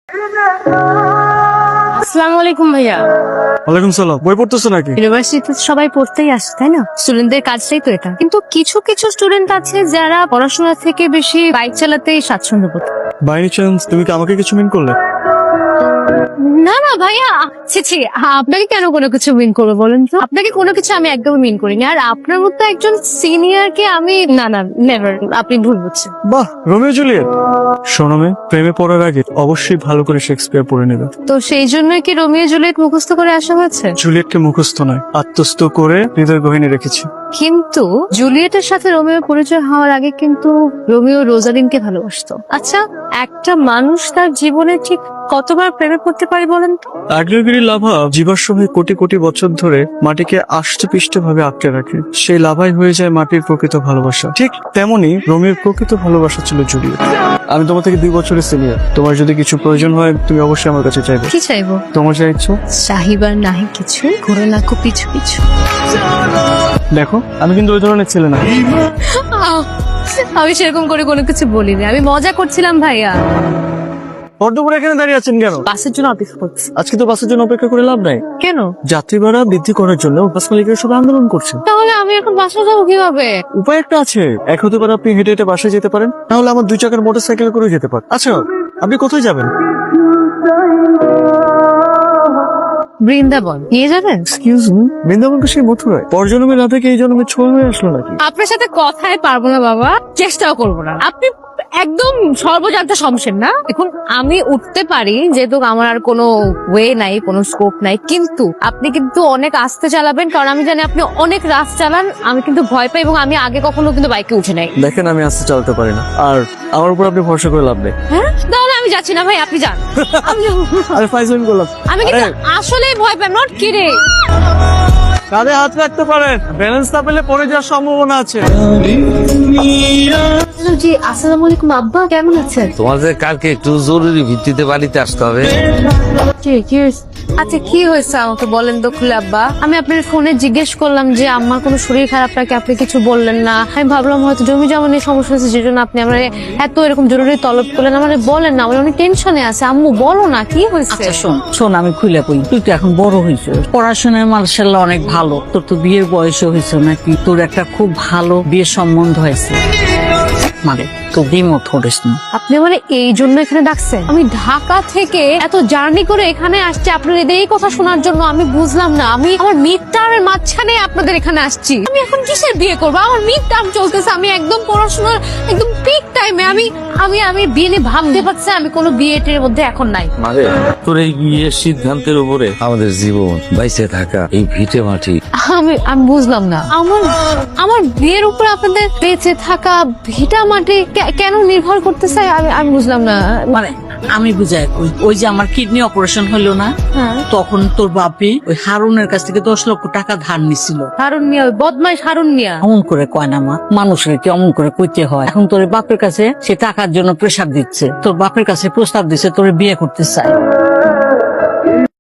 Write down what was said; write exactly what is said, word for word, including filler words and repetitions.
আসসালামু আলাইকুম ভাইয়া। ওয়ালাইকুম সালাম। বই পড়তেছো নাকি? ইউনিভার্সিটিতে সবাই পড়তেই আসে তাই না, স্টুডেন্টদের কাজটাই তো এটা। কিন্তু কিছু কিছু স্টুডেন্ট আছে যারা পড়াশোনা থেকে বেশি বাইক চালাতেই স্বাচ্ছন্দ্য বোধ করে। বাই এনি চান্স তুমি কি আমাকে কিছু মিন করলে? না না ভাইয়া, ছি ছি, আপনাকে কেন কোনো কিছু মিন করবো বলেন তো? আপনাকে কোনো কিছু আমি একদমই মিন করিনি। আর আপনার মতো একজন সিনিয়রকে আমি না না নেভার, আপনি ভুল বুঝছেন। বাহ, রোমিও জুলিয়েট। শোনো মে, প্রেমে পড়ার আগে অবশ্যই ভালো করে শেক্সপিয়ার পড়ে নেবে। তো সেই জন্য কি রোমিও জুলিয়েট মুখস্থ করে আসা হয়েছে? জুলিয়েটকে মুখস্থ নয়, আত্মস্থ করে হৃদয় গহিনী রেখেছি। কিন্তু জুলিয়েটের সাথে রোমিওর পরিচয় হওয়ার আগে কিন্তু রোমিও রোজালিনকে ভালোবাসতো। আচ্ছা, একটা মানুষ তার জীবনে ঠিক কতবার প্রেমে পড়তে পারে বলেন তো? আগ্নেয়গিরি লাভা জীবাশ্ম হয়ে কোটি কোটি বছর ধরে মাটিকে আষ্টে পৃষ্ঠে ভাবে আটকে রাখে। সেই লাভাই হয়ে যায় মাটির প্রকৃত ভালোবাসা। ঠিক তেমনি রোমিওর প্রকৃত ভালোবাসা ছিল জুলিয়েট। আমি তোমার থেকে দুই বছরের সিনিয়র। তোমার যদি কিছু প্রয়োজন হয় তুমি অবশ্যই আমার কাছে চাইবে। কি চাইবো? তোমার যা ইচ্ছা। চাহিবার নাহি কিছু, ঘুরে লাখো পিছু পিছু। দেখো, আমি কিন্তু ওই ধরনের ছেলে না। আহ, আমি সেরকম করে কোনো কিছু বলিনি, আমি মজা করছিলাম ভাইয়া। পর্দপুরে এখানে দাঁড়িয়ে আছেন কেন? বাসের জন্য অপেক্ষা করছি। আজকে তো বাসের জন্য অপেক্ষা করে লাভ নাই। কেন? যাত্রী ভাড়া বৃদ্ধি করার জন্য বাস মালিকেরা সবাই আন্দোলন করছে। তাহলে আমি এখন বাসা যাবো কিভাবে? উপায় একটা আছে। এক হতে পারে আপনি হেঁটে হেঁটে বাসায় যেতে পারেন, তাহলে আমার দুই চাকার মোটর সাইকেল করে যেতে পারেন। আচ্ছা, আপনি কোথায় যাবেন? বৃন্দাবন নিয়ে যাবেন? এক্সকিউজ মি, বৃন্দাবন তো সেই মথুরায়। পরজন্মের না থেকে এই জন্মে ছোঁয়া হয়ে আসলো নাকি? আপনার সাথে কথাই পারবো না বাবা, চেষ্টাও করবো না। আপনি একদম সর্বজান্তা শমশের না। এখন আমি উঠতে পারি যেহেতু আমার আর কোনো ওয়ে নাই, কোনো স্কোপ নাই, কিন্তু আপনি কিন্তু অনেক আস্তে চালাবেন, কারণ আমি জানি আপনি অনেক রাস চালান। আমি কিন্তু ভয় পাই, এবং আমি আগে কখনো কিন্তু বাইকে উঠে নাই। দেখেন, আমি আস্তে চালাতে পারি না, আর আমার উপর আপনি ভরসা করে লাভ নেই। হ্যাঁ, তাহলে আমি যাচ্ছি না ভাই, আপনি যান। আমি যাবো। আরে ফাইজলামি করলাম। আমি কিন্তু আসলে ভয় পাই, নট কিরে। কাঁধে হাত রাখতে পারেন, ব্যালেন্স না পেলে পড়ে যাওয়ার সম্ভাবনা আছে। জি, আসসালামু আলাইকুম আব্বা, কেমন আছেন? তোমাদের কালকে একটু জরুরি ভিত্তিতে বাড়িতে আসতে হবে। কি কি হয়েছে? আচ্ছা, কি হয়েছে আমাকে বলেন তো খুলে আব্বা। আমি আপনার ফোনে জিজ্ঞেস করলাম যে আমার কোনো শরীর খারাপ নাকি, আপনি কিছু বললেন না। আমি ভাবলাম হয়তো জমি জমা নিয়ে সমস্যা হয়েছে, যেজন্য আপনি আমার এত এরকম জরুরি তলব করলেন। আমার বলেন না, আমার অনেক টেনশনে আছে। আম্মু বলো না, কি হয়েছে? আচ্ছা শোন শোন আমি খুলে কই, তুই তো এখন বড় হয়েছিস, পড়াশোনায় মার্শাল্লাহ অনেক ভালো, তোর তো বিয়ের বয়সও হয়েছে নাকি, তোর একটা খুব ভালো বিয়ের সম্বন্ধ হয়েছে, মানে তো দ্বিমত করিস না। আপনি মানে এই জন্য এখানে ডাকছেন? আমি ঢাকা থেকে এত জার্নি করে এখানে আসছি আপনার এই কথা শোনার জন্য। আমি বুঝলাম না, আমি আমার মিড টার্মের মাঝখানে আপনাদের এখানে আসছি। আমি এখন কিসের বিয়ে করবো? আমার মিড টার্ম চলতেছে, আমি একদম পড়াশোনার একদম পিক টাইমে। আমি আমি আমি বিয়ে নিয়ে ভাবতে পারছি, আমি কোনো বিয়েটের মধ্যে এখন নাই। মানে তোর এই বিয়ের সিদ্ধান্তের উপরে আমাদের জীবন বাইসে থাকা এই ভিটে মাটি। আমি আমি বুঝলাম না, আমার আমার বিয়ের উপর আপনাদের বেঁচে থাকা ভিটা মাটি কে- কেন নির্ভর করতেছে? আমি আমি বুঝলাম না। মানে আমি বুঝাই কই, ওই যে আমার কিডনি অপারেশন হলো না, হ্যাঁ, তখন তোর বাপি ওই হারুনের কাছ থেকে দশ লক্ষ টাকা ধার নিছিল। হারুন মিয়া, ওই বদমাইশ হারুন মিয়া। অমন করে কয় না মা, মানুষের কি অমন করে কইতে হয়? এখন তোর বাপের কাছে সে টাকার জন্য প্রেসার দিচ্ছে, তোর বাপের কাছে প্রস্তাব দিচ্ছে তোর বিয়ে করতে চায়।